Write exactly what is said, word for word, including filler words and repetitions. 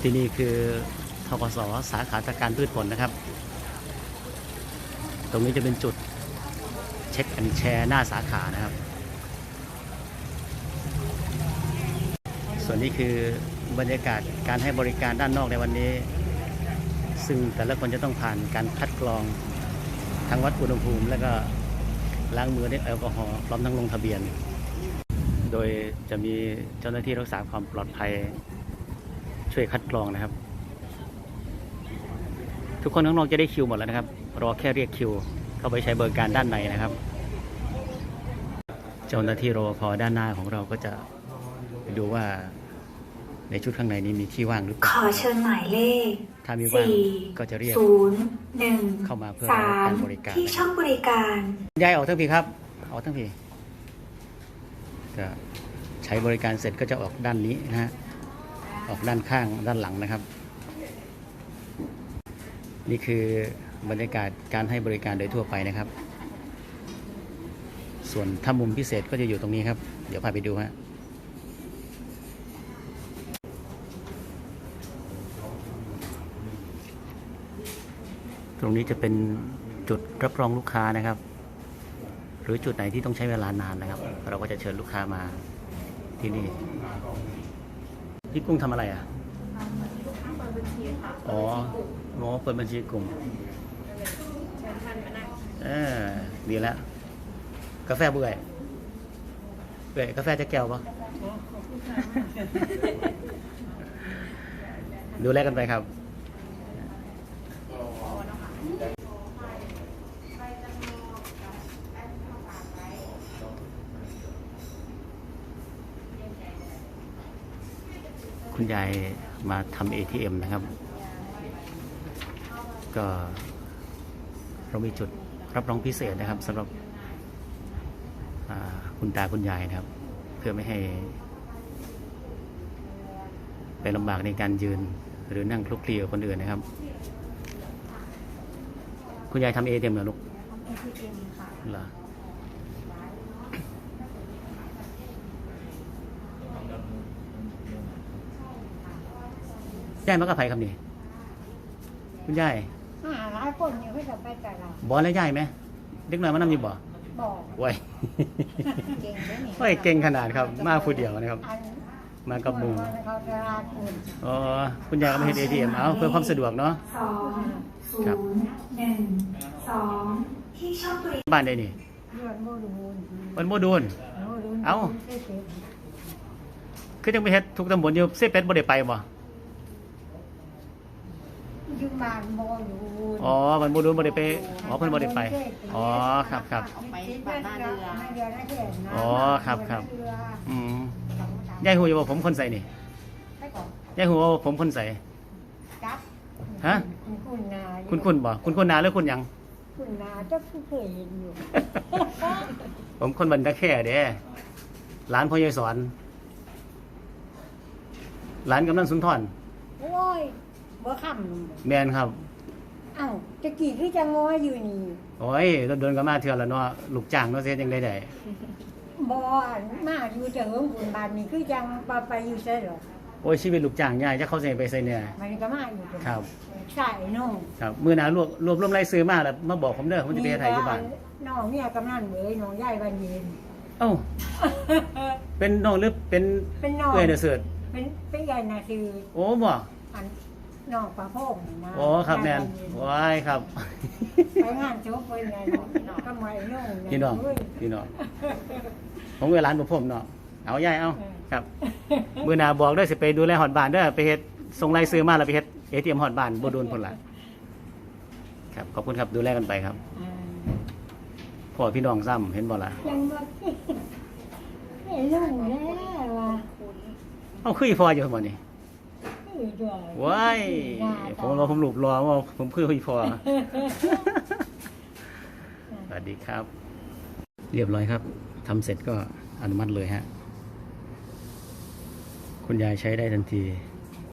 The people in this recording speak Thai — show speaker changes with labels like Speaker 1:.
Speaker 1: ที่นี่คือธกส.สาขาตะการพืชผลนะครับตรงนี้จะเป็นจุดเช็คแอนด์แชร์หน้าสาขานะครับส่วนนี้คือบรรยากาศการให้บริการด้านนอกในวันนี้ซึ่งแต่ละคนจะต้องผ่านการคัดกรองทั้งวัดอุณหภูมิและก็ล้างมือด้วยแอลกอฮอล์พร้อมทั้งลงทะเบียนโดยจะมีเจ้าหน้าที่รักษาความปลอดภัยช่วยคัดกรองนะครับทุกคนข้างนอกจะได้คิวหมดแล้วนะครับรอแค่เรียกคิวเข้าไปใช้บริการด้านในนะครับเจ้าหน้าที่รปภด้านหน้าของเราก็จะดูว่าในชุดข้างในนี้มีที่ว่างหรือเปล่า
Speaker 2: ขอเชิญหมายเลข
Speaker 1: ถ้ามีว่างก็จะเรียก
Speaker 2: ศูนย์หนึ่ง
Speaker 1: เข้ามาเพื่อรับการบริการ
Speaker 2: ที่ช่องบริการ
Speaker 1: ย้ายออกทั้งพี่ครับออกทั้งพี่ก็ใช้บริการเสร็จก็จะออกด้านนี้นะฮะออกด้านข้างด้านหลังนะครับนี่คือบรรยากาศการให้บริการโดยทั่วไปนะครับส่วนถ้ามุมพิเศษก็จะอยู่ตรงนี้ครับเดี๋ยวพาไปดูฮะตรงนี้จะเป็นจุดรับรองลูกค้านะครับหรือจุดไหนที่ต้องใช้เวลานานนะครับเราก็จะเชิญลูกค้ามาที่นี่พี่กุ้งทำอะไรอ่ะอ๋อหมอเปิดบัญชีกลุ่มเออดีแล้วกาแฟเบื่อเบื่อกาแฟจะแก้วปะดูแลกันไปครับคุณยายมาทำ เอ ที เอ็ม นะครับก็เรามีจุดรับรองพิเศษนะครับสำหรับคุณตาคุณยายนะครับเพื่อไม่ให้ไปลำบากในการยืนหรือนั่งคลุกคลีกับคนอื่นนะครับคุณยายทำ เอ ที เอ็ม เหรอลูก
Speaker 3: เอ ที เอ็ม ค่ะ
Speaker 1: เหรอ ยายมากับใครครับนี่คุณยาย
Speaker 3: หาหลายคนอยู่ให้กับไปแต่เรา
Speaker 1: บอแล้วยายไหมเด็กน้อยมานั่งอยู่บ่
Speaker 3: บอก
Speaker 1: ไว้
Speaker 3: เก่งเลยนี่
Speaker 1: ไว้เก่งขนาดครับมาผู้เดียวนะครับมากับมืออ๋อคุณยายก็มาเห็น เอ ที เอ็ม เอาเพื่อความสะดวกเนาะ
Speaker 2: สองศูนย์หนึ่งสองที่ช่องบริ
Speaker 1: บ้านได้นี่วันโมดูนเอาคือจังไปเฮ็ดทุกตำบลอยู่เซเป็ดบ่ได้ไปบ่
Speaker 3: อยู่บ้านบ่อยู่
Speaker 1: อ๋อวันโมดูนบ่ได้ไปอ๋อเพิ่นบ่ได้ไปอ๋อครับครับ
Speaker 3: ไปบ้านเรือ
Speaker 1: อ๋อครับครับอืมยายฮู้อยู่ว่าผมคนใส่นี่ยายฮู้ว่าผมคนใส่ฮะ
Speaker 3: คุณนา
Speaker 1: คุณคุณบ่คุณคุณนาหรือคุณหยัง
Speaker 3: คุณนาจะเคยเห็นอยู่
Speaker 1: ผมคนบันตะแค่เด้ร้านพ่อยายสอนร้านกำนันสุนทร
Speaker 3: โอ้ยบ่ค่
Speaker 1: ำแมนครับ
Speaker 3: อ้าวตะกี้คือจะง้ออยู่นี่
Speaker 1: โอ้ยโดนๆก็มาเทื่อละเนาะลูกจ้างเนาะเสียจังได๋ได้
Speaker 3: บ่มาอยู่จะเฮิงบุญบานนี่คือจังไปไปอยู่ไสหรอ
Speaker 1: โอ้ยชีวิตลูกจ้างยายจะเข้าใจไปไสเนี่ย
Speaker 3: มันก็มาอยู่
Speaker 1: ครับ
Speaker 3: ใช่น้อง
Speaker 1: ครับมื้อหน้ารวบรวบรวมรายชื่อมาแล้วมาบอกผมเด้อผมจะไปเฮ็ดให้อยู่บ้าน
Speaker 3: น้องเนี่ยกำนันเว้ยน้องยายวันเย็น
Speaker 1: เอ้าเป็นน้องหรือเป็น
Speaker 3: เป็นน้อง
Speaker 1: เอ้ยน่ะเสิร์ช
Speaker 3: เป็นเป็นยายน่ะคือ
Speaker 1: โอ้บ่
Speaker 3: อันน้องปลาโป่งนะ
Speaker 1: อ๋อครับแม่นว้ายครับ
Speaker 3: ไปงานโจ๊กเพิ่นไงก็มาไอ้น้อง
Speaker 1: พี่น้องพี่น้องผมเวลาบ่ผมเนาะเอายายเอาครับมื้อหน้าบอกเด้อสิไปดูแลฮอดบ้านเด้อไปเฮ็ดส่งรายชื่อมาแล้วไปเฮ็ด เอ ที เอ็ม ฮอดบ้านบ่โดนพุ่นล่ะครับขอบคุณครับดูแลกันไปครับพ่อพี่น้องซ้ำเห็นบ่ล่ะ
Speaker 3: ยังบ่เห็นลุงแล้วว่า
Speaker 1: เอาคืออีพ่ออยู่บ่นี่ว้ายผมว่าผมหลุบรอว่าผมคืออีพ่อสวัสดีครับเรียบร้อยครับทำเสร็จก็อนุมัติเลยฮะคุณยายใช้ได้ทันที